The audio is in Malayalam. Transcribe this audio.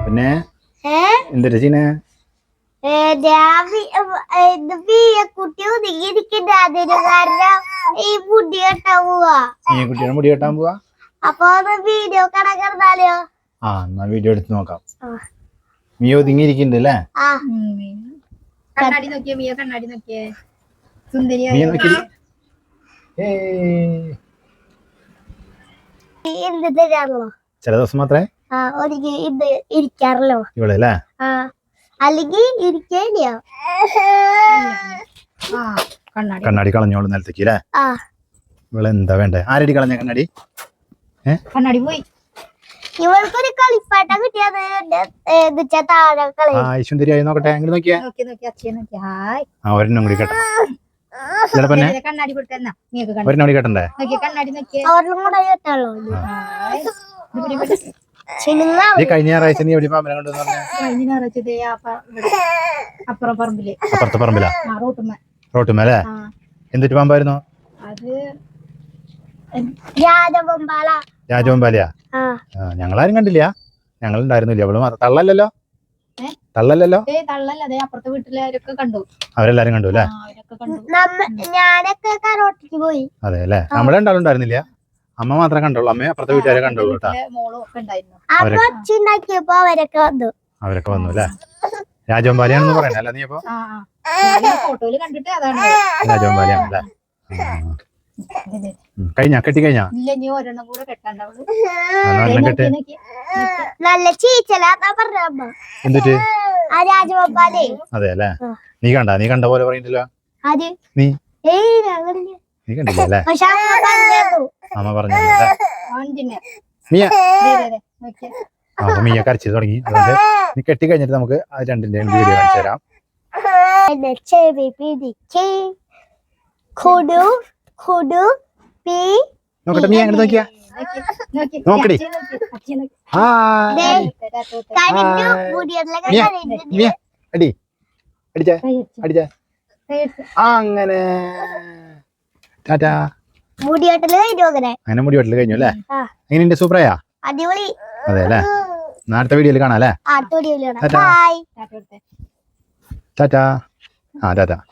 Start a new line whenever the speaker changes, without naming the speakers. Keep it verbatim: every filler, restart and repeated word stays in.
പിന്നെ എന്തൊരു ചീന
കുട്ടി ഒതുങ്ങിയിരിക്കണ്ട അതിന് കാരണം ഈ മുടി കെട്ടാൻ പോവാ
നീ കുട്ടിയുടെ മുടി കെട്ടാൻ പോവാ
അപ്പൊ വീഡിയോ കണക്കിരുന്നാലോ
ആ എന്നാ വീഡിയോ എടുത്ത് നോക്കാം നീ ഒതുങ്ങിയിരിക്കണ്ട് അല്ലേ
കണ്ണാടി നോക്കിയേ മിയ കണ്ണാടി നോക്കിയേ സുന്ദരി
നീ നോക്കി
എന്ത് തരാണല്ലോ
ചില ദിവസം മാത്രമേ
ആ ഒരിക്കൽ ഇത് ഇരിക്കാറല്ലോ
ഇവിടെ അല്ലേ
ആ അല്ലെങ്കിൽ ഇരിക്കേണ്ടിയോ
കണ്ണാടി കളഞ്ഞോളൂ നിലത്തേക്ക് അല്ലേ
ആ
ഇവിടെ എന്താ വേണ്ടേ ആരടി കളഞ്ഞ കണ്ണാടി ഏ
കണ്ണാടി പോയി
ഇവൾക്കൊരു കളിപ്പാട്ടം കിട്ടിയത് താഴെ കളി
ആ സുന്ദരിയായി നോക്കട്ടെ അങ്ങനെ നോക്കിയേ
നോക്കി നോക്കി അച്ഛൻ നോക്കി ഹായ്
ആ ഒരെണ്ണം കൂടി കേട്ടോ ചിലപ്പോ
കണ്ണാടി കൊടുക്കുന്ന മിയക്ക്
ഒരെണ്ണം കൂടി കേട്ടണ്ടേ
നോക്കിയേ കണ്ണാടി നോക്കിയേ
അവരിലും കൂടെ കേട്ടാളോ
ഈ കഴിഞ്ഞ ഞായറാഴ്ച നീ എവിടെ പാമ്പനെ കൊണ്ടുവന്ന് പറഞ്ഞ
കഴിഞ്ഞ ഞായറാഴ്ച അപ്പുറം പറമ്പില്
അപ്പുറത്തെ പറമ്പിലാ
റോട്ടുമ്മ
റോട്ടുമേലെ എന്തിട്ട് പാമ്പായിരുന്നു
അത്
രാജവമ്പാല
രാജവമ്പാലയാ ഞങ്ങളാരും കണ്ടില്ല ഞങ്ങൾ ഉണ്ടായിരുന്നില്ല അവള് മാത്രം തള്ളല്ലോ തള്ളല്ലോ
തള്ളല്ല അതെ അപ്പുറത്തെ വീട്ടിലാരൊക്കെ കണ്ടു
അവരെല്ലാരും കണ്ടു അല്ലേ
ഞാനൊക്കെ കരോട്ടിക്ക് പോയി
അതെ അല്ലേ നമ്മളെ ഉണ്ടാവും ഉണ്ടായിരുന്നില്ല അമ്മ മാത്രമേ കണ്ടുള്ളൂ അമ്മയെ അപ്പുറത്തെ വീട്ടുകാരെ കണ്ടുള്ളൂ കേട്ടോ
അച്ഛണ്ടാക്കിയപ്പോ അവരൊക്കെ വന്നു
അവരൊക്കെ വന്നു അല്ലേ രാജവമ്പാലയാണെന്ന് പറയണേ അല്ല നീ അപ്പൊ
ഫോട്ടോയില് കണ്ടിട്ട് അതാണ്
രാജവമ്പാലയാണല്ലേ കഴിഞ്ഞ കെട്ടി കഴിഞ്ഞാ
ഇല്ല നീ ഒരെണ്ണം കൂടെ കെട്ടാണ്ടാവുള്ളൂ
നല്ല ചീച്ചലാ പറഞ്ഞ അമ്മ
എന്നിട്ട്
ആ രാജവമ്പാലേ
അതെ അല്ലേ നീ കണ്ട നീ കണ്ട പോലെ പറയുന്നില്ല
അത്
നീ
ഏയ് ഞങ്ങളില്ല
നീ കണ്ടില്ല അല്ലേ
പക്ഷെ അമ്മ പറഞ്ഞു
അമ്മ പറഞ്ഞു മിയ അപ്പൊ മിയ കരച്ചു തുടങ്ങി അതുകൊണ്ട് നീ കെട്ടി കഴിഞ്ഞിട്ട് നമുക്ക് അത് രണ്ടിന്റെയും വീഡിയോ കാണിച്ചു തരാം
ചെവി പിടിക്ക് കൊടു കൊടു പി
നോക്കട്ടെ നീ അങ്ങനെ നോക്കിയാ നോക്കടി അടി അടിച്ച അടിച്ച അങ്ങനെ ടാറ്റാ
മുടിയോട്ടല് കഴിഞ്ഞു അങ്ങനെ
അങ്ങനെ മുടി വെട്ടല് കഴിഞ്ഞു അല്ലേ എങ്ങനെയുണ്ട് സൂപ്പറായാ
അടിപൊളി
അതെ അല്ലേ അടുത്ത വീഡിയോയിൽ കാണാം അല്ലേ ടാറ്റാ ആ ടാറ്റാ